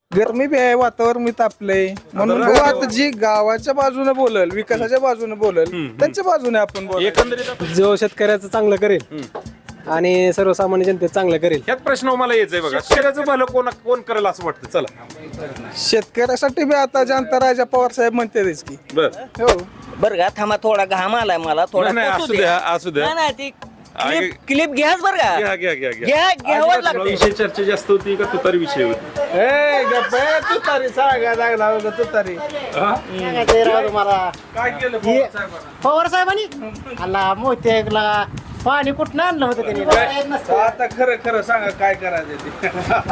गरमी बी आहे, वातावरण मी तापलंय म्हणून बघू आता जी गावाच्या बाजूने बोलल, विकासाच्या बाजूने बोलल, त्यांच्या बाजूने आपण बोलू. एकंदरीत जो शेतकऱ्याचं चांगलं करेल आणि सर्वसामान्य जनतेचं चांगलं करेल. ह्यात प्रश्न मला यायचंय बघा, शेतकऱ्याचं भलं कोण करेल असं वाटतं? चला शेतकऱ्यासाठी बी आता जनता राजा पवार साहेब म्हणतेच की. बर हो बरं का, थांबा, थोडा घाम आलाय मला, थोडा नाही, पुसू असू द्या, द्या. असू द्या. नाही, ती क्लिप घ्याच बरं का, घ्या घ्यावंच लागतं. विषय चर्चा जास्त होती का तुतारी विषय होती? तुतारी सांगा लागला तुतारी. काय केलं पवार साहेबांनी आला मोत्याला पाणी कुठं आणलं होतं त्यांनी? आता खरं खरं सांगा काय करायचं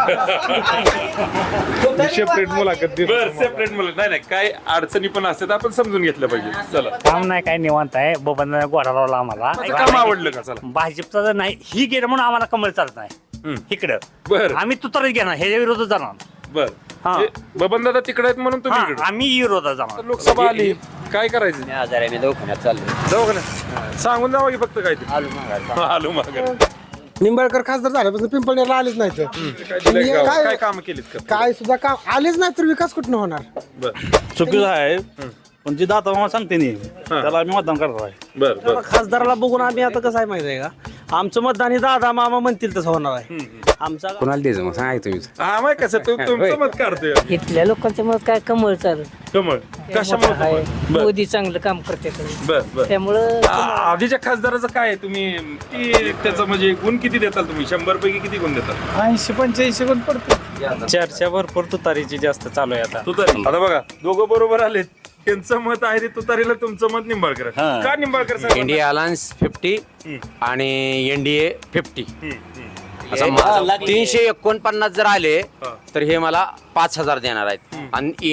ते. सेपरेट मुलाखत बर सेपरेट मुलं नाही काय अडचणी पण असतात, आपण समजून घेतलं पाहिजे. चला काम नाही काय निवांत आहे. बबन घोडा लावला आम्हाला. काम आवडलं का? चला भाजपचा जर नाही ही गेलं म्हणून आम्हाला कमळ चालत नाही इकडं. बर आम्ही तुतारीच घेणार, ह्याच्या विरोधात जाणार. बर हा. बबन दादा तिकडे आहेत म्हणून तुम्ही हा, इकडे. आम्ही विरोधात जाणार. लोकसभा आली, काय करायचं? मी आजार आहे, मी दवाखान्यात चाललोय. जाऊ का नाही? सांगून जावं की फक्त काय ते आलो माघारी. निंबाळकर खासदार झाल्यापासून पिंपळनेरला आलेच नाही तर काय दिलंय गावात? काय- काय काम केलीत का? काय सुद्धा काम आलेच नाही तर विकास कुठं होणार. बर चुकीचं आहे पण जे दाता मामा सांगते नाही त्याला आम्ही मतदान करणार आहे. बर बर खासदाराला बघून आम्ही आता कसं आहे माहिती आहे का, आमचं मतदान हे दादा मामा म्हणतील तसं होणार आहे. आमचा कोणाला द्यायचं मग सांगा तुम्ही. हा माहिती कसं तुमचं मत काढतोय इथल्या लोकांचं मत काय कमळ चालू कमळ कशामुळे? बर मोदी चांगलं काम करते बर बर त्यामुळं आधीच्या खासदाराचं काय आहे? तुम्ही किती त्याचं म्हणजे गुण किती देताल तुम्ही? 100 पैकी किती गुण देताल? 80-85 गुण पडतो. चर्चा भरपूर तुतारीची जास्त चालू आहे आता. तुतारी आता बघा दोघं बरोबर आलेत, त्यांचं मत आहे ते तुतारीला, तुमचं मत निंबाळकर. का निंबाळकर साहेबांना? इंडिया अलायन्स 50 आणि एनडीए 50 असं हे माझं लागली. 349 जर आले तर हे मला 5,000 देणार आहेत. आणि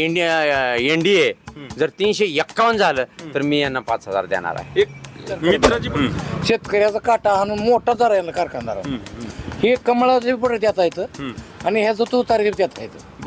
एनडीए जर 351 झालं तर मी यांना 5,000 देणार आहे. एक मित्राची पण शेतकऱ्याचा काटा हाणून मोठा दर आहे कारखानदार. हे कमळाचे पुढे देता येतं आणि ह्याचं तू तारीख देता येतं.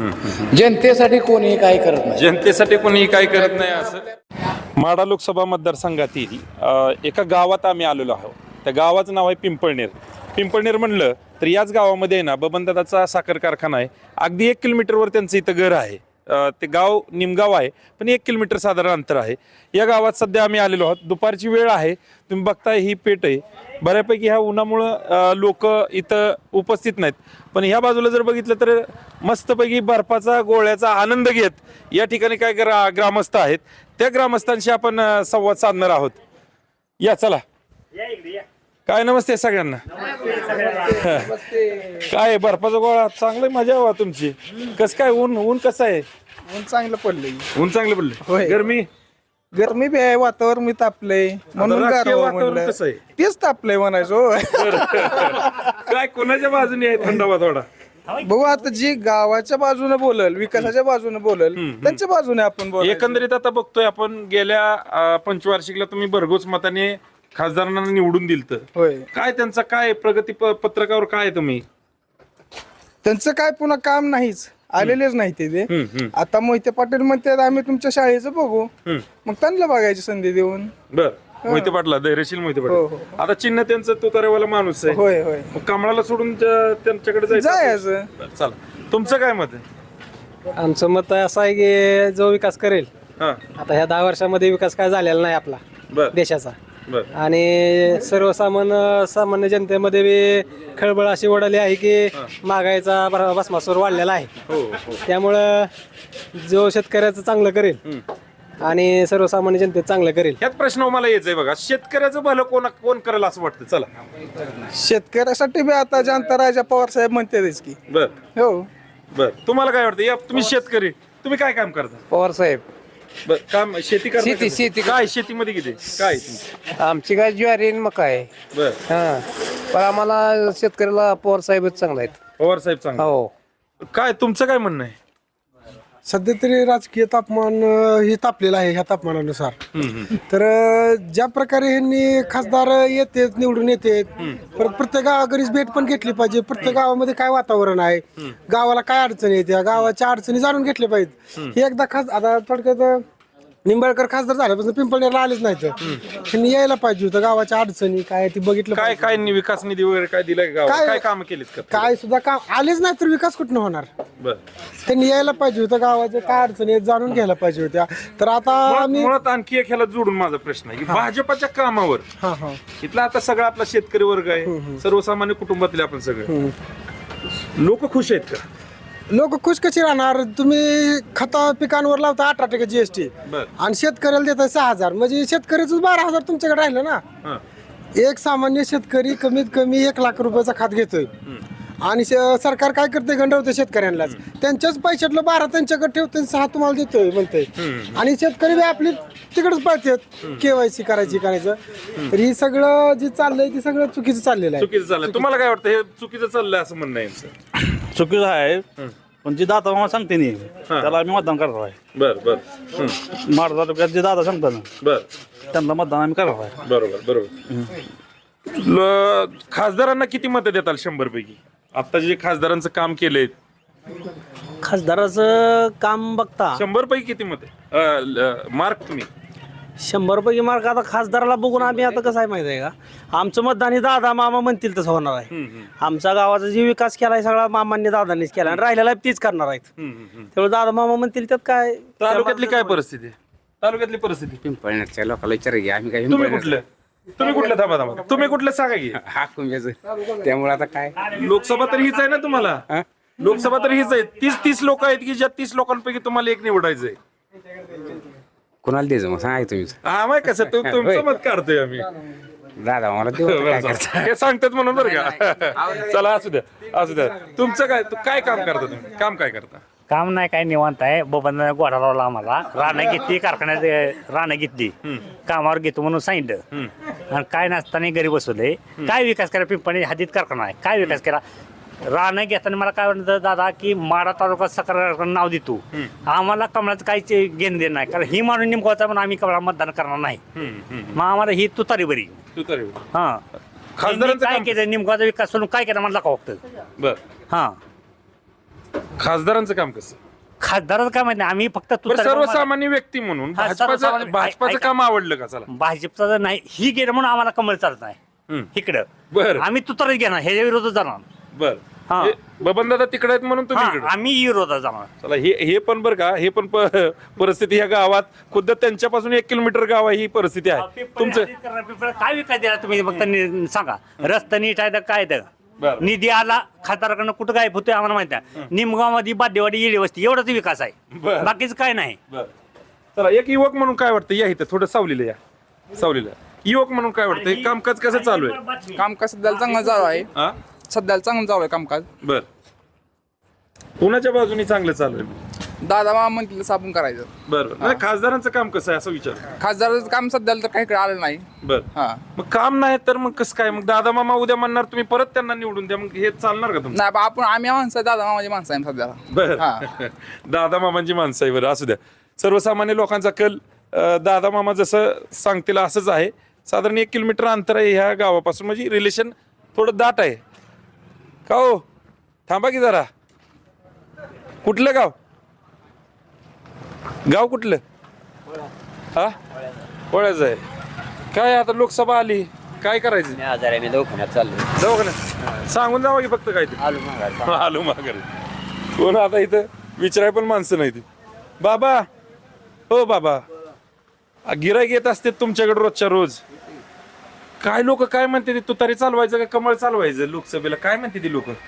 बर जनतेसाठी कोणी काही करत नाही. जनतेसाठी कोणी काय करत नाही असं. माढा लोकसभा मतदारसंघातील एका गावात आम्ही आलेलो आहोत. त्या गावाचं नाव आहे पिंपळनेर. पिंपळनेर म्हणलं तर याच गावामध्ये आहे ना बबनदादाचा साखर कारखाना आहे. अगदी 1 किलोमीटरवर त्यांचं इथं घर आहे. ते गाव निमगाव आहे पण 1 किलोमीटर साधारण अंतर आहे. या गावात सध्या आम्ही आलेलो आहोत. दुपारची वेळ आहे, तुम्ही बघताय ही पेठ आहे. बऱ्यापैकी ह्या उन्हामुळं लोक इथं उपस्थित नाहीत, पण ह्या बाजूला जर बघितलं तर मस्तपैकी बर्फाचा गोळ्याचा आनंद घेत या ठिकाणी काय ग्रामस्थ आहेत, त्या ग्रामस्थांशी आपण संवाद साधणार आहोत. या चला. काय नमस्ते सगळ्यांना. काय बर्फाचा गोळा चांगलं मजा हवा तुमची. कसं काय ऊन कसं आहे? ऊन चांगलं पडलंय. ऊन चांगलं पडलं. होय. गरमी गरमी बी आहे, वातावरण मी तापलंय म्हणून राजकीय गारवा वातावरण म्हणलं. कसं आहे? तेच तापलंय म्हणायचो. काय कोणाच्या बाजूने आहे थंडावा थोडा? बघू आता जी गावाच्या बाजूने बोलल, विकासाच्या बाजूने बोलल, त्यांच्या बाजूने आपण बोलू. एकंदरीत आता बघतोय आपण गेल्या पंचवार्षिकला तुम्ही भरघोस मताने खासदारांना निवडून दिलत. होय, काय त्यांचा काय प्रगती पत्रकावर काय आहे तुम्ही? त्यांचं काय पुन्हा काम नाहीच, आलेलेच नाही ते. आता मोहिते पाटील म्हणतात आम्ही तुमच्या शाळेचं बघू, मग त्यांना बघायची संधी देऊन. बर मोहिते पाटला धैर्यशील मोहिते हो, पाटील. आता चिन्ह त्यांचं तुतारेवाला माणूस आहे. होय होय मग कमळाला सोडून त्यांच्याकडे जायचं. जायचं. बरं, चला. तुमचं काय मत आहे? आमचं मत असं आहे की जो विकास करेल, हा आता ह्या 10 वर्षामध्ये विकास काय झालेला नाही आपला बर देशाचा. बर आणि सामान्य जनतेमध्ये बी खळबळ अशी उडाली आहे की महागाईचा भस्मासूर वाढलेला आहे. हो हो त्यामुळं जो शेतकऱ्याचं चांगलं करेल आणि सर्वसामान्य जनतेचं चांगलं करेल. ह्यात प्रश्न मला यायचंय बघा, शेतकऱ्याचं भलं कोण करेल असं वाटतं? चला. शेतकऱ्यासाठी बी आता जनता राजा पवार साहेब म्हणतेच की. बर हो बर तुम्हाला काय वाटतं? या तुम्ही शेतकरी, तुम्ही काय काम करता? पवार साहेब बर काम शेती करता का? शेती. काय शेतीमध्ये किती काय तुमचं? आमची काय ज्वारी आणि मका आहे. बर हा पण आम्हाला शेतकऱ्याला पवार साहेबच चांगला आहेत. पवार साहेब चांगलं. हो काय तुमचं काय म्हणणं आहे? सध्या तरी राजकीय तापमान हे तापलेलं आहे ह्या तापमानानुसार. तर ज्या प्रकारे ह्यांनी खासदार येतात निवडून येतात, परत प्रत्येक गावाकडीच भेट पण घेतली पाहिजे. प्रत्येक गावामध्ये काय वातावरण आहे, गावाला काय अडचणी येत्या, गावाच्या अडचणी जाणून घेतल्या पाहिजेत. हे एकदा आता थोडक्यात निंबाळकर खासदार झाल्यापासून पिंपळनेरला आलेच नाहीत त्यांनी यायला पाहिजे होतं. गावाच्या अडचणी काय ती बघितलं काय पाहिजे. काय विकास निधी वगैरे काय दिलाय गावात काय- काय काम केलीत का काय सुद्धा काम आलेच नाही तर विकास कुठनं होणार. बर त्यांनी यायला पाहिजे होतं. गावाच्या काय अडचणी आहेत जाणून घ्यायला पाहिजे होत्या. तर आता आम्ही मुळात आणखी एक ह्याला जोडून माझा प्रश्न आहे की भाजपाच्या कामावर हा हा इथला आता सगळा आपला शेतकरी वर्ग आहे, सर्वसामान्य कुटुंबातले आपण सगळे लोक खुश आहेत का? लोक खुश कशी राहणार. तुम्ही खता पिकांवर लावता 18% GST बर आणि शेतकऱ्याला देताय 6,000 म्हणजे शेतकऱ्याचं 12,000 तुमच्याकडे राहिलं ना. हा. एक सामान्य शेतकरी कमीत कमी 1 लाख रुपयाचा खात घेतोय आणि सरकार काय करते गंडवते शेतकऱ्यांनाच. त्यांच्याच पैशातलं 12 त्यांच्याकडे ठेवते 6 तुम्हाला देतोय म्हणतोय आणि शेतकरी बी आपली तिकडेच पळतात KYC करायचं. तर ही सगळं जे चाललंय ते सगळं चुकीचं चाललेलं आहे. चुकीचं चाललंय. तुम्हाला काय वाटतं हे चुकीचं चाललंय असं म्हणणं आहे यांचं? चुकीचं आहे पण जे दादा मामा सांगते नाही त्याला आम्ही मतदान करणार आहे. बर बर माड तालुक्यात जे दादा सांगतात ना बर त्यांना मतदान आम्ही करणार आहे. बरोबर खासदारांना किती मतं देताल 100 पैकी? आता जे खासदारांचं काम केलंय खासदाराचं काम बघता 100 पैकी किती मत मार्क तुम्ही? 100 पैकी मार्क आता खासदाराला बघून आम्ही आता कसं आहे माहिती आहे का, आमचं मतदान हे दादा मामा म्हणतील तसं होणार आहे. आमचा गावाचा जे विकास केलाय सगळा मामांनी दादांनीच केला आणि राहिलेला तीच करणार आहेत. त्यामुळे दादा मामा म्हणतील त्यात काय. तालुक्यातली काय परिस्थिती आहे? तालुक्यातली परिस्थिती पिंपळनेरच्या लोकांना विचार घ्या आम्ही काय तुम्ही कुठलं थांबा तुम्ही कुठलं सांगा की? हा कुंभ्याचं त्यामुळे आता काय लोकसभा तर हीच आहे ना तुम्हाला? लोकसभा तर हीच आहे. 30 लोक आहेत की ज्या 30 लोकांपैकी तुम्हाला एक निवडायचंय. कोणाला द्यायचं मग सांगा तुम्ही. हा माहिती कसं तुमचं मत काढतोय आम्ही. दादा मला हे सांगतात म्हणून बरं का. चला असू द्या. तुमचं काय काम करता तुम्ही? काम काय करता? काम नाही काय निवांत आहे. बबन गोडा लावला आम्हाला, रानं घेतली कारखान्यात, रानं घेतली, कामावर घेतो म्हणून सांगितलं आणि काय नसताना घरी बसवले. काय विकास करा? पिंपळी हद्दीत कारखाना आहे, काय विकास केला? रानं घेताना मला काय म्हणतं दादा की माडा तालुका सकार नाव देतो, आम्हाला कमळाचं काहीच घेणं देणं नाही, कारण ही माणूस निमकवायचा पण आम्ही कमळा मतदान करणार नाही. मग आम्हाला ही तुतारी बरी. हा खासदारांचं काय काम केलं? निमकवाचा विकास करून काय केला म्हणला का फक्त? बर हा खासदारांचं काम कसं? खासदाराचं काय माहिती नाही, आम्ही फक्त तुतारी सर्वसामान्य व्यक्ती म्हणून हा, सर्वसामान्य- भाजपाचं ऐका. काम आवडलं का? चला भाजपचा जर नाही ही गेलं म्हणून आम्हाला कमळ चालत नाही इकडं. बर आम्ही तुतारीच घेणार, ह्याच्या विरोधात जाणार. बर हा. बबन दादा तिकडे आहेत म्हणून तुम्ही हा, इकडे. आम्ही विरोधात जाणार. चला हे पण बरं का, हे पण परिस्थिती ह्या गावात खुद्द त्यांच्यापासून 1 किलोमीटर गाव आहे ही परिस्थिती आहे. तुमचं काय विकास दिला तुम्ही फक्त सांगा. रस्ता नीट आहे तर काय तर बरं. निधी आला खासदाराकडनं कुठं गायब होतोय आम्हाला माहिती आहे. निमगावमध्ये बादेवाडी येडी वस्ती एवढाच विकास आहे, बरं. बाकीच काय नाही. चला एक युवक म्हणून काय वाटतं? या इथं थोडं सावलीला युवक म्हणून काय वाटतं? हे कामकाज कसं चालू आहे? कामकाज सध्याला चांगलं चालू आहे. हा सध्याला चांगलं चालू आहे कामकाज. बर कोणाच्या बाजूने चांगलं चालू आहे? दादा मामा म्हणतील तसं आपण करायचं. बरं नाही खासदारांचं काम कसं आहे असं विचार. खासदाराचं काम सध्याला तर काही इकडे आलं नाही. बर हा मग काम नाही तर मग कसं काय? मग दादा मामा उद्या म्हणणार तुम्ही परत त्यांना निवडून द्या, मग हे चालणार का तुमचं? नाही बा, आम्ही माणसं आहे, दादा मामाची माणसं आहे सध्याला. बर दादा मामांची माणसं आहे. बरं असू द्या. सर्वसामान्य लोकांचा कल दादा मामा जसं सांगतील असंच आहे. साधारण 1 किलोमीटर अंतर आहे ह्या गावापासून, म्हणजे रिलेशन थोडं दाट आहे का हो? थांबा की जरा. कुठलं गाव कुठलं? हा पोळ्याचं आहे. काय आता लोकसभा आली, काय करायचं? आजार मी दवाखान्यात चाललोय. दवाखान्यात सांगून जावं की फक्त काय ते आलो माघारी. कोण आता इथं विचाराय पण माणसं नाही ती. बाबा हो बाबा, गिराईक येत असते तुमच्याकडे रोजच्या रोज. काय लोक काय म्हणते ते तुतारी चालवायचं का कमळ चालवायचं लोकसभेला? काय म्हणते ती लोक?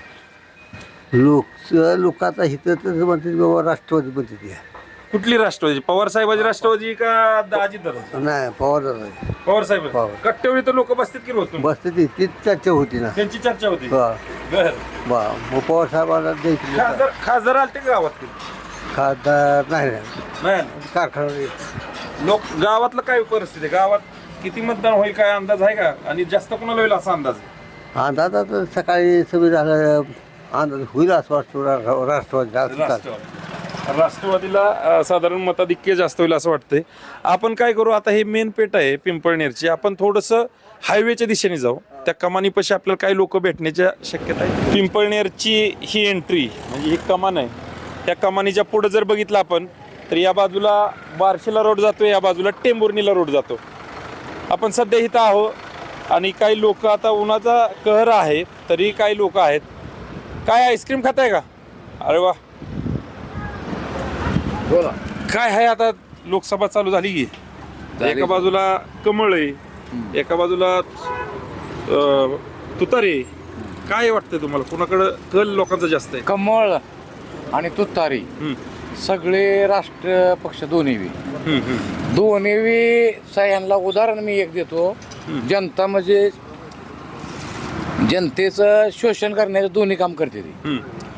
लोक आता इथं म्हणते बाबा राष्ट्रवादी म्हणते. कुठली राष्ट्रवादी? पवार साहेबाची राष्ट्रवादी का अजितदादा? नाही पवार पवार साहेब कट्ट्यावर तर लोक बसतात की रोज? बसते तीच चर्चा होती ना. त्यांची चर्चा होती. मग पवार साहेबांना द्यायची. खासदार आलते का गावात? खासदार नाही नाही कारखाना लोक गावातलं काय परिस्थिती आहे? गावात किती मतदान होईल काय अंदाज आहे का? आणि जास्त कोणाला होईल असा अंदाज? अंदाज आता सकाळी सगळं झालं अंदाज होईल असं वाटतं राष्ट्रवादीला साधारण मताधिक्य जास्त होईल असं वाटतंय. आपण काय करू आता, हे मेन पेठ आहे पिंपळनेरची, आपण थोडंसं हायवेच्या दिशेने जाऊ. त्या कमानीपाशी आपल्याला काही लोक भेटण्याच्या शक्यता आहे. पिंपळनेरची ही एंट्री म्हणजे ही कमान आहे. त्या कमानीच्या पुढे जर बघितलं आपण तर या बाजूला बार्शीला रोड जातो, या बाजूला टेंभुर्णीला रोड जातो. आपण सध्या इथं आहोत आणि काही लोक आता उन्हाचा कहर आहे तरी काही लोक आहेत. काय आईस्क्रीम खाताय का? अरे वा, बोला. काय आहे आता लोकसभा चालू झाली की एका बाजूला कमळ आहे, एका बाजूला तुतारी. काय वाटतंय तुम्हाला, कुणाकडं कल लोकांचा जास्त आहे? कमळ आणि तुतारी सगळे राष्ट्र पक्ष दोन्ही यांना उदाहरण मी एक देतो. जनता म्हणजे जनतेचं शोषण करण्याचं दोन्ही काम करते ती.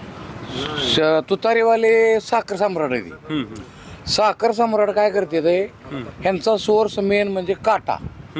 तुतारीवाले साखर सम्राट आहे ती. साखर सम्राट काय करते ते, ह्यांचा सोर्स मेन म्हणजे काटा.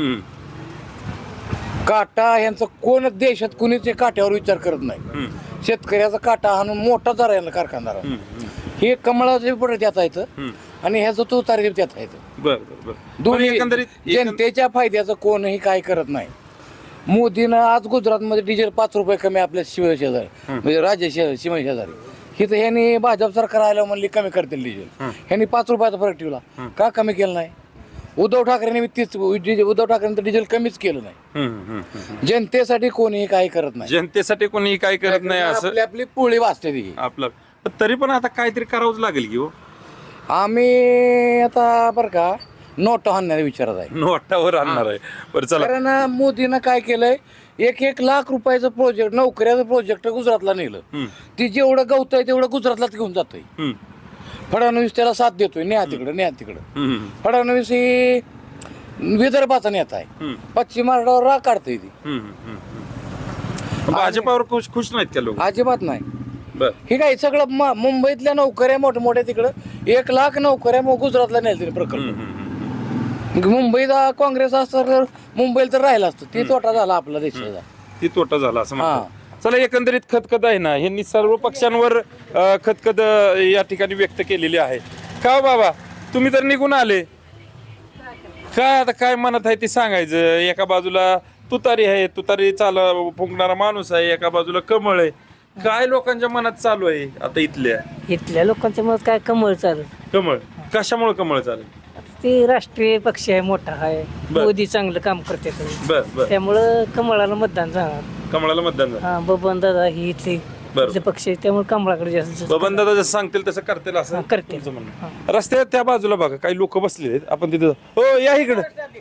काटा ह्यांचं कोण देशात कुणीच काट्यावर विचार करत नाही. शेतकऱ्याचा काटा आणून मोठा दर यांना कारखानदार. हे कमळाचं पुढे त्यात येतं आणि ह्याचं तुतारी त्यात येतं. दोन्ही जनतेच्या फायद्याचं कोणही काय करत नाही. मोदीनं आज गुजरातमध्ये डिझेल 5 रुपये कमी आपल्या शिवशेजारी म्हणजे राज्य शिवशेजारी. हिथं ह्यांनी भाजप सरकार आलं म्हणली कमी करतील डिझेल. ह्यांनी 5 रुपयाचा फरक ठेवला, का कमी केलं नाही? उद्धव ठाकरेंनी उद्धव ठाकरेंनी तर डिझेल कमीच केलं नाही. जनतेसाठी कोणीही काही करत नाही. जनतेसाठी कोणीही काय करत नाही असं आपली आपली पोळी वाचते ती. आपलं. तरी पण आता काहीतरी करावंच लागेल की हो. आम्ही आता बरं का नोट आणण्याचा विचारात आहे. नोटावर आणणार आहे. बरं चला. कारण मोदीनं काय केलंय, 1 लाख रुपयाचं प्रोजेक्ट, नोकऱ्याचं प्रोजेक्ट गुजरातला नेलं. ती जेवढं गवत आहे तेवढं गुजरातला घेऊन जातोय. फडणवीस त्याला साथ देतोय, न्या तिकडं. फडणवीस ही विदर्भाचा नेता आहे, पश्चिम महाराष्ट्रावर राग काढतोय ती. भाजपावर खुश नाहीत का लोक? अजिबात नाही. हे काय सगळं मुंबईतल्या नोकऱ्या मोठमोठ्या तिकडं 1 लाख नोकऱ्या गुजरातला नेल प्रकल्प. मुंबईत काँग्रेस असतं तर मुंबईला तर राहिला असतं. ती तोटा झाला आपला देशाचा. ती तोटा झाला असं म्हणतात. चला, एकंदरीत खतखत आहे ना, ह्यांनी सर्व पक्षांवर खतखत या ठिकाणी व्यक्त केलेली आहे. का बाबा, तुम्ही तर निघून आले, काय आता काय मनात आहे ते सांगायचं. एका बाजूला तुतारी आहे, तुतारी फुंकणारा माणूस आहे, एका बाजूला कमळ आहे. काय लोकांच्या मनात चालू आहे आता इथल्या लोकांच्या मनात काय कमळ चालेल. कमळ कशामुळे कमळ चालेल? ते राष्ट्रीय पक्ष आहे, मोठा आहे, मोदी चांगलं काम करते, त्यामुळं कमळाला मतदान जाणार. कमळाला मतदान झालं. बबन दादा ही इथले पक्ष आहे, त्यामुळे कमळाकडे जास्त. बबन दादा जसं सांगतील तसं करतील असं करतील. तुमचं म्हणणं. रस्त्यात त्या बाजूला बघा काही लोक बसलेले आहेत. आपण तिथं हो या इकडे.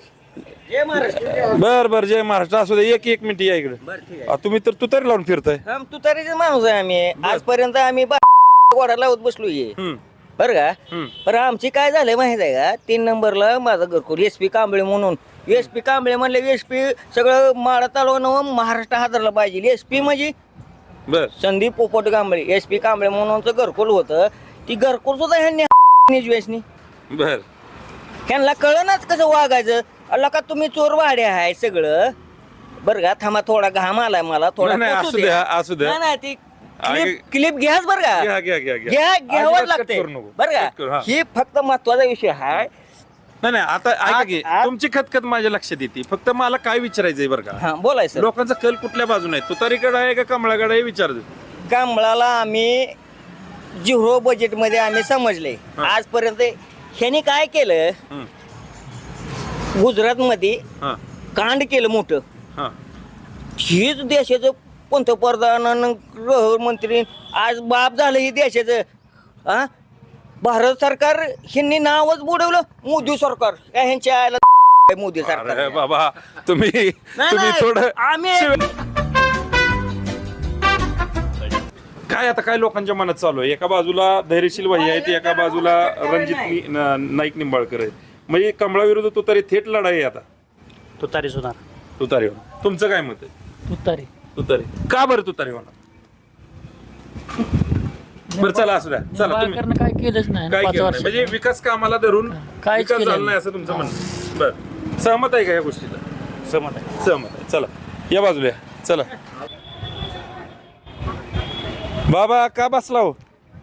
बर जय महाराष्ट्र असू दे. एक मिनिट या इकडे. तुम्ही तर तुतारी लावून फिरताय. तुतारीचे माणूस आहे आम्ही. आजपर्यंत आम्ही गोडा लावत बसलोय बरं का. पण आमची काय झालंय माहित आहे का, 3 नंबरला माझा घरकुल SP कांबळे म्हणून. SP कांबळे म्हणले SP सगळं माडा तालुका महाराष्ट्र हादरला पाहिजे. SP म्हणजे संदीप पोपट कांबळे. SP कांबळे म्हणूनच घरकुल होतं. ती घरकुल सुद्धा ह्यांनी निजवेशनी. बर, ह्यांना कळनाच कसं वागायचं. अल्ला का तुम्ही चोर वाडे आहे सगळं. बरं का, थांबा, थोडा घाम आलाय मला, थोडा असू द्या. नाही ती क्लिप घ्याच बरं का. घ्यावंच लागते बरं का. ही फक्त महत्वाचा विषय आहे. नाही आता ऐका की, तुमची खतखत माझ्या लक्षात येते. फक्त मला काय विचारायचंय बरं का, बोलायचं लोकांचा कल कुठल्या बाजूने आहे? तुतारीकडे आहे का कमळाकडे आहे विचारतो. कमळाला आम्ही 0 बजेट मध्ये आम्ही समजले. आजपर्यंत ह्याने काय केलं, गुजरात मध्ये कांड केलं मोठं. हीच देशाचं पंतप्रधान गृहमंत्री आज बाप झालं ही देशाचं. भारत सरकार ह्यांनी नावच बुडवलं मोदी सरकार. ह्यांच्या मोदी सरकार. बाबा तुम्ही थोडं काय आता काय लोकांच्या मनात चालू आहे. एका बाजूला धैर्यशील भाई आहेत, एका बाजूला रणजित नाईक निंबाळकर आहेत. म्हणजे कमळाविरुद्ध तुतारी थेट लढाई आहे आता. तुतारी सुद्धा. तुतारीवर तुमचं काय मत आहे? तुतारी का बरं तुतारी होणार? बरं चला असू द्या. चला, तुम्ही काय केलंच नाही काय केलं नाही? म्हणजे विकास कामाला धरून विकास झाला नाही असं तुमचं म्हणणं. बरं, सहमत आहे का या गोष्टीला? सहमत आहे. चला या बाजूला चला. बाबा का बसला हो?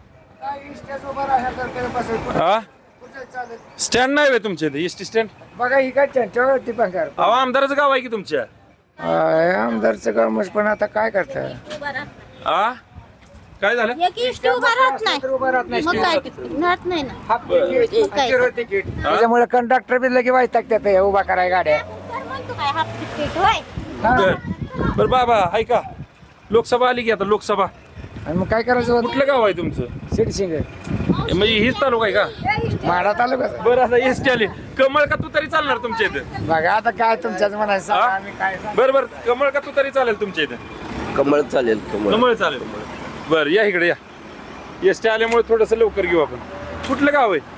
स्टँड नाही तुमच्या इथे? एसटी स्टँड बघा ही काय त्यांच्यावरती पण कर. अहो आमदाराचं गाव आहे की तुमच्या? आमदारचं काम पण आता काय करता. काय झालं? एक इष्ट उभा राहत नाही मग काय राहत नाही ना मग काय त्याच्यामुळे कंडक्टर बी लगे वाईटाक उभा कराय गाड्या तर म्हणतो काय हाफ तिकीट होय बर बर बाबा ऐका, लोकसभा आली की आता लोकसभा, आणि मग काय करायचं कुठलं गाव आहे तुमचं? सिडसिंग म्हणजे हीच तालुका आहे का? माडा तालुका बरं आता एसटी आली, कमळ का तू तरी चालणार तुमच्या इथं? बघा आता काय तुमच्याच म्हणायचं हा? आम्ही काय बरं बरं, कमळ का तू तरी चालेल तुमच्या इथं? कमळ चालेल कमळ. कमळ चालेल. बरं या इकडे या, एसटी आल्यामुळे थोडस लवकर घेऊ आपण. कुठलं गाव आहे?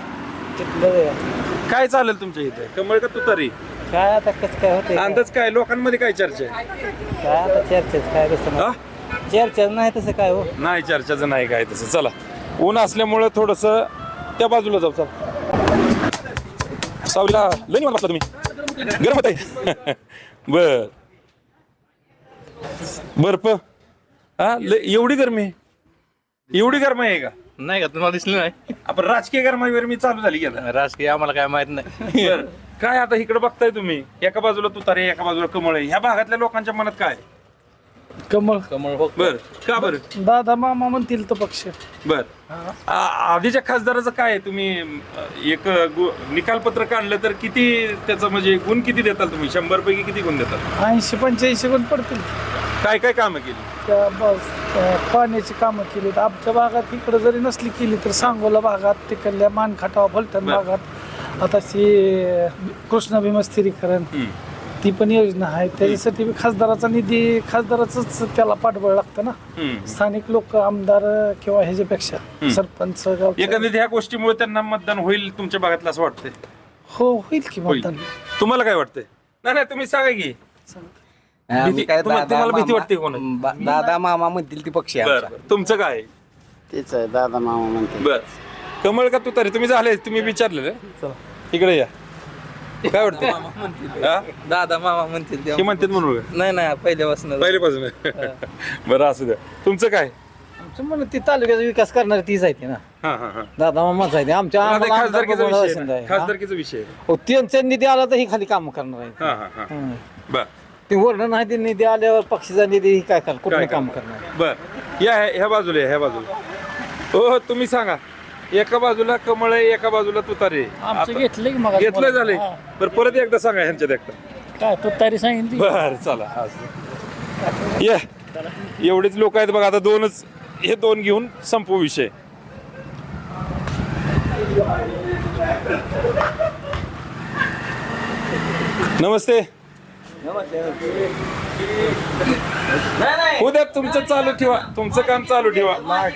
काय चालेल तुमच्या इथे, कमळ का तू तरी? काय आता कसं काय होते अंदाज काय, लोकांमध्ये काय चर्चा आहे? काय आता चर्चेच काय तसं हा? चर्चा नाही तसं काय हो. नाही चर्चाचं नाही काय तसं. चला, ऊन असल्यामुळं थोडस त्या बाजूला जाऊ. चल सावलीला लई निवांत बसला तुम्ही, गरम होत आहे. बर बर्फ हा एवढी गरमी आहे, एवढी गरमी आहे का? नाही का तुम्हाला दिसलं नाही? आपण राजकीय गरमाईवर मी चालू झाली गेला. राजकीय आम्हाला काय माहित नाही. बरं. काय आता इकडे बघताय तुम्ही, एका बाजूला तुतारे एका बाजूला कमळ आहे, ह्या भागातल्या लोकांच्या मनात काय? कमळ बर का बरं? दादा मामा म्हणतील तो पक्ष. बर आधीच्या खासदाराचं काय आहे? तुम्ही एक निकालपत्र काढलं तर किती त्याचं म्हणजे गुण किती देताल तुम्ही? 100 पैकी किती गुण देतात? 80-85 गुण पडतील. काय काय कामं केली? त्या पाण्याची कामं केली. आमच्या भागात इकडं जरी नसली केली तर सांगोला भागात तिकडल्या मानखाटावा फलटण भागात आता कृष्णा भीमा स्थिरीकरण ती पण योजना आहे. त्याच्यासाठी खासदाराचा निधी, खासदाराच त्याला पाठबळ लागतं ना. स्थानिक लोक आमदार किंवा ह्याच्यापेक्षा सरपंच एकंदरीत ह्या गोष्टीमुळे त्यांना मतदान होईल तुमच्या भागातलं असं वाटतंय? हो होईल की मतदान. तुम्हाला काय वाटतंय? नाही तुम्ही सांगा की तुम्हाला भीती वाटते कोण? दादा मामा म्हणतील ती पक्षी तुमचं काय? तेच आहे दादा मामा म्हणते. बर कमळ का तुतारी? तुम्ही झाले, तुम्ही विचारलेलं. इकडे या, काय वाटतं? दादा मामा म्हणतील हे म्हणतात म्हणून? नाही पहिल्यापासून पहिल्यापासून. बरं असू द्या. तुमचं काय? म्हणून ती तालुक्याचा विकास करणारी तीच आहे ना. दादा मामाच आहे आमच्या खासदारकीचा विषय त्यांचा निधी आला तर ही खाली काम करणार आहे. बर ते वर्ण नाही ते निधी आल्यावर पक्षीचा निधी ही काय करणार, कुठे काम करणार. बर या ह्या बाजूला, ह्या बाजूला. हो तुम्ही सांगा, एका बाजूला कमळ आहे एका बाजूला तुतारे. घेतलं की मग घेतलं झाले. बरं परत एकदा सांगा ह्यांच्यात एकदा. काय तुतारी सांगितली. बर चला या, एवढेच लोक आहेत बघा. आता दोनच, हे दोन घेऊन संपू विषय. नमस्ते. उद्या तुमचं चालू ठेवा, तुमचं काम चालू ठेवा.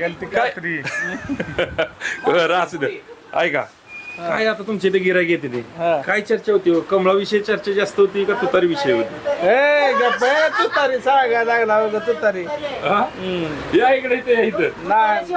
बरं असू द्या. ऐका काय आता तुमच्या इथे गिराईक येते ते काय चर्चा होती? कमळाविषयी चर्चा जास्त होती का तुतारी विषय होती? तुतारी सांगा लागला तुतारी. या इकडे इथं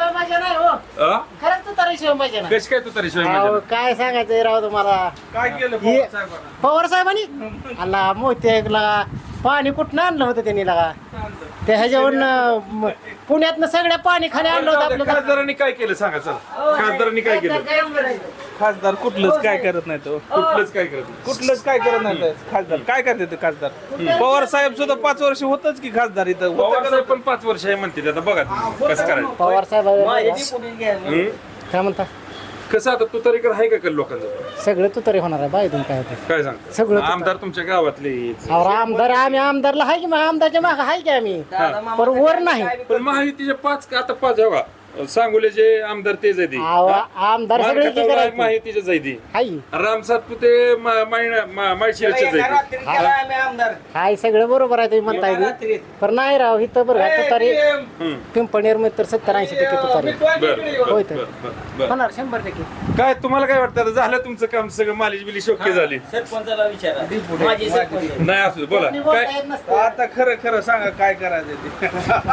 कशी काय तुतारी शिवाय काय सांगायचं राव तुम्हाला. काय केलं पवार साहेबांनी आला मोत्याला पाणी कुठनं आणलं होतं त्यांनी लागा. ते ह्याच्यावरून पुण्यातनं सगळ्या पाणी खाली आणलं होतं आपलं. खासदारांनी काय केलं सांगा चला. खासदारांनी काय केलं? खासदार कुठलंच काय करत नाही तो. कुठलंच काय करत? कुठलंच काय करत नाही खासदार. काय करते ते खासदार? पवार साहेब सुद्धा 5 वर्ष होतच की खासदार इथं. पवार साहेब पण 5 वर्ष आहे म्हणते. आता बघा कसं करायचं. पवार साहेब काय म्हणता? कसं आता तुतारीकर आहे का लोकांचं? सगळं तू तरी होणार आहे बाय. तुम्ही काय होते काय सांगता? सगळं आमदार तुमच्या गावातले आमदार आम्ही आमदारला आहे की मग आमदारच्या माग आहे की आम्ही पण वर नाही. पण महायुतीचे 5 आता 5 आहे बघा. सांगोल्याचे आमदार तेच आहे. आमदार सगळे माहितीचेच आहे ती. हाय राम सातपुते माळशिरसचेच आहे. हाय सगळं बरोबर आहे तुम्ही म्हणताय पण नाही राव इथं बरं तुतारी पिंपणेर मध्ये तर 70-80% तुतारी होय तर होणार 100%. काय तुम्हाला काय वाटतं? आता झालं तुमचं काम सगळं, मालिश बिलिश ओके झाली. सरपंचाला विचारा. नाही असू बोला काय आता खरं खरं सांगा काय करायचं ते.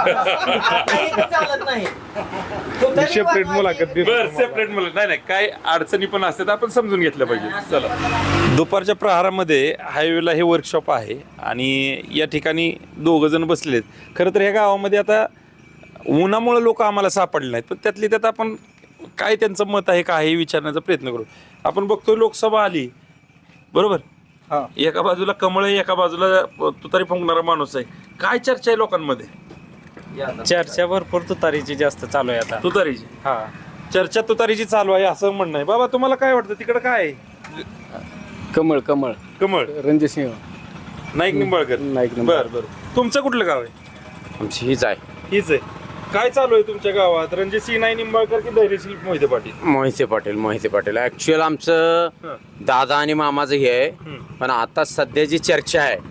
चालत नाही. सेपरेट मुलाखत. सेपरेट मुलाखत नाही काय अडचणी पण असतात, आपण समजून घेतलं पाहिजे. चला. दुपारच्या प्रहारामध्ये हायवेला हे वर्कशॉप आहे आणि या ठिकाणी 2 जण बसलेले आहेत. खरं तर ह्या गावामध्ये आता उन्हामुळे लोक आम्हाला सापडले नाहीत, पण त्यातली त्यात आपण काय त्यांचं मत आहे काय हे विचारण्याचा प्रयत्न करू. आपण बघतोय लोकसभा आली बरोबर. एका बाजूला कमळ आहे एका बाजूला तुतारी फुंकणारा माणूस आहे. काय चर्चा आहे लोकांमध्ये? चर्चा भरपूर तुतारीची जास्त चालू आहे आता. तुतारीची हा, चर्चा तुतारीची चालू आहे असं म्हणणं आहे. बाबा तुम्हाला काय वाटतं तिकडे काय आहे? कमळ कमळ कमळ रणजित सिंह नाईक निंबाळकर. नाईक बर बर. तुमचं कुठलं गाव आहे? आमची हीच आहे हीच आहे. काय चालू आहे तुमच्या गावात? रणजित सिंह नाईक निंबाळकर की धैर्यशील मोहिते पाटील? मोहिते पाटील ऍक्च्युअल आमचं दादा आणि मामाचं हे आहे, पण आता सध्या जी चर्चा आहे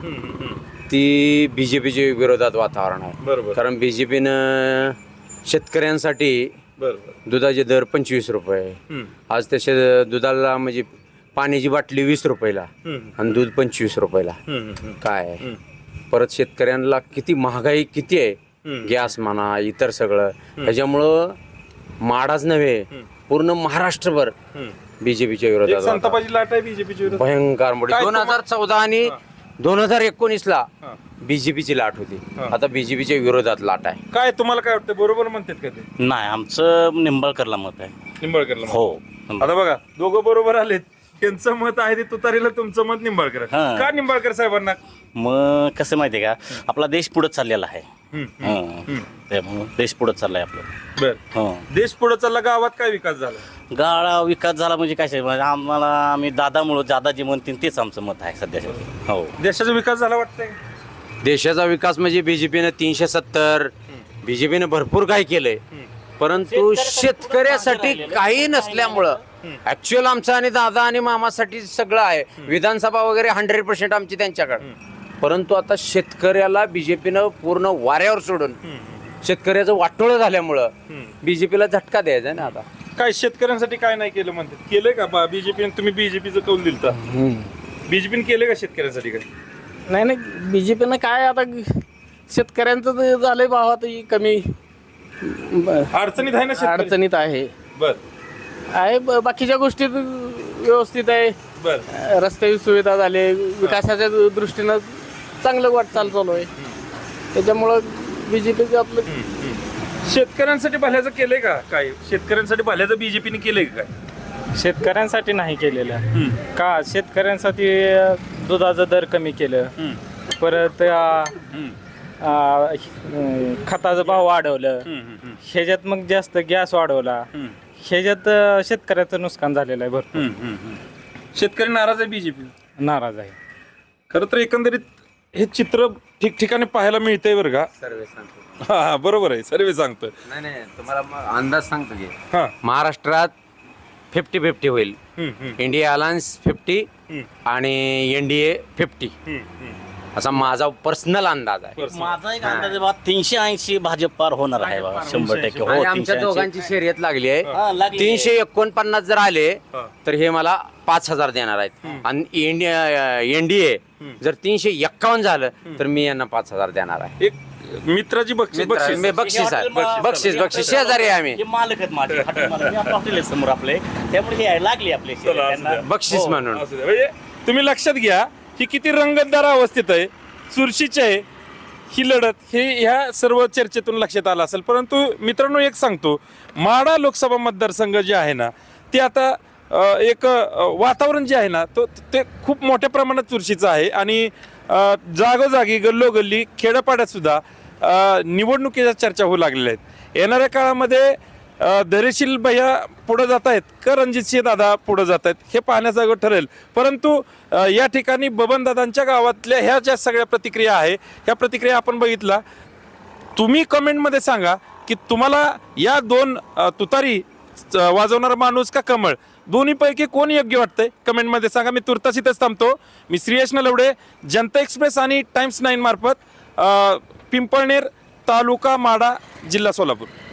ती बीजेपीच्या विरोधात वातावरण आहे. बरोबर. कारण बीजेपीनं शेतकऱ्यांसाठी बरोबर. दुधाचे दर 25 रुपये, आज तसे दुधाला म्हणजे पाण्याची बाटली 20 रुपयाला आणि दूध 25 रुपयाला. काय आहे? परत शेतकऱ्यांना किती महागाई किती आहे, गॅस म्हणा इतर सगळं, त्याच्यामुळं माडाच नव्हे पूर्ण महाराष्ट्रभर बीजेपीच्या विरोधात संतापाची लाट आहे बीजेपीची विरोधात. भयंकर मोठी. काय 2014 आणि 2019ला बीजेपीची लाट होती, आता बीजेपीच्या विरोधात लाट आहे. काय तुम्हाला काय वाटतं? बरोबर म्हणतात का ते? नाही, आमचं निंबाळकरला मत आहे. निंबाळकरला मत. हो. आता बघा दोघं बरोबर आलेत. त्यांचं मत आहे ते तुतारीला, तुमचं मत निंबाळकर. हा. का निंबाळकर साहेबांना? मग कसं माहितीये का, आपला देश पुढे चाललेला आहे. त्यामुळं देश पुढे चाललाय आपलं. बर. देश पुढे चालला, गावात काय विकास झाला? गाळा विकास झाला म्हणजे काय, म्हणजे आम्ही दादामुळं दादा जे म्हणतील तेच आमचं मत आहे सध्याच्या. हो. देशाचा विकास झाला वाटतंय? देशाचा विकास म्हणजे बीजेपीनं 370, बीजेपीनं भरपूर काय केलंय, परंतु शेतकऱ्यासाठी काही नसल्यामुळं ऍक्च्युअल आमचं आणि दादा आणि मामासाठी सगळं आहे. विधानसभा वगैरे 100% आमची त्यांच्याकडे, परंतु आता शेतकऱ्याला बीजेपीनं पूर्ण वाऱ्यावर सोडून शेतकऱ्याचं वाटोळं झाल्यामुळं बीजेपीला झटका द्यायचा ना. आता काय शेतकऱ्यांसाठी काय नाही केलं म्हणतात? केलंय का बीजेपीने? तुम्ही बीजेपीचं कौल दिलता, बीजेपीने केले का शेतकऱ्यांसाठी काय? नाही बीजेपीनं काय आता शेतकऱ्यांचं झालंय भावात कमी, अडचणीत आहे ना शेतकरी? अडचणीत आहे. बर. आहे बाकीच्या गोष्टीत व्यवस्थित आहे. बर. रस्त्याची सुविधा झाली, विकासाच्या दृष्टीनं चांगलं वाटचाल चालू आहे. त्याच्यामुळं बीजेपीचं आपलं शेतकऱ्यांसाठी भल्याचं केलंय का काय? शेतकऱ्यांसाठी भल्याचं बीजेपीने केलंय का काय? शेतकऱ्यांसाठी नाही केलेलं. का शेतकऱ्यांसाठी दुधाचं दर कमी केलं, परत खताचा भाव वाढवलं, ह्याच्यात मग जास्त गॅस वाढवला, ह्याच्यात शेतकऱ्याचं नुकसान झालेलं आहे भरपूर. शेतकरी नाराज आहे बीजेपी? नाराज आहे. खरं तर एकंदरीत हे चित्र ठिकठिकाणी पाहायला मिळतंय बरं का? सर्वे सांगतो. हा बरोबर आहे, सर्वे सांगतोय. नाही तुम्हाला अंदाज सांगतो की हा. महाराष्ट्रात 50-50 होईल. इंडिया अलायन्स 50 आणि एनडीए 50 असा माझा पर्सनल अंदाज आहे. माझा एक अंदाज आहे बा 380 भाजप पार होणार आहे बा 100%. आणि हो, आमच्या 380. दोघांची शर्यत लागली आहे. लागली. 349 जर आले तर हे मला 5000 देणार आहेत. आणि एनडीए जर 351 झालं तर मी यांना 5000 देणार आहे. एक मित्राची बक्षीस बक्षीस आहे. बक्षीस शेजारी आहे आम्ही. हे मालक आहेत माझे, हॉटेल मालक. मी आपलं हॉटेल आहे समोर आपले, त्यामुळे हे आहे, लागली आपले त्यांना. बक्षीस म्हणून म्हणजे तुम्ही लक्षात घ्या ही किती रंगतदार अवस्थेत आहे, चुरशीची आहे ही लढत. हे ह्या सर्व चर्चेतून लक्षात आलं असेल. परंतु मित्रांनो एक सांगतो, माढा लोकसभा मतदारसंघ जे आहे ना ते आता एक वातावरण जे आहे ना ते खूप मोठ्या प्रमाणात चुरशीचं आहे. आणि जागोजागी गल्लोगल्ली खेड्यापाड्यात सुद्धा निवडणुकीच्या चर्चा होऊ लागलेल्या आहेत. येणाऱ्या काळामध्ये धैर्यशील भैया पुढे जात आहेत का रणजितसिंह दादा पुढे जात आहेत हे पाहण्याचं ठरेल. परंतु या ठिकाणी बबनदादांच्या गावातल्या ह्या ज्या सगळ्या प्रतिक्रिया आहे ह्या प्रतिक्रिया आपण बघितला. तुम्ही कमेंटमध्ये सांगा की तुम्हाला या दोन तुतारी वाजवणारा माणूस का कमळ, दोन्हीपैकी कोण योग्य वाटतंय कमेंटमध्ये सांगा. मी तुर्तास इथंच थांबतो. मी श्रीयश नलवडे, जनता एक्सप्रेस आणि टाइम्स 9 मार्फत पिंपळनेर तालुका माढा जिल्हा सोलापूर.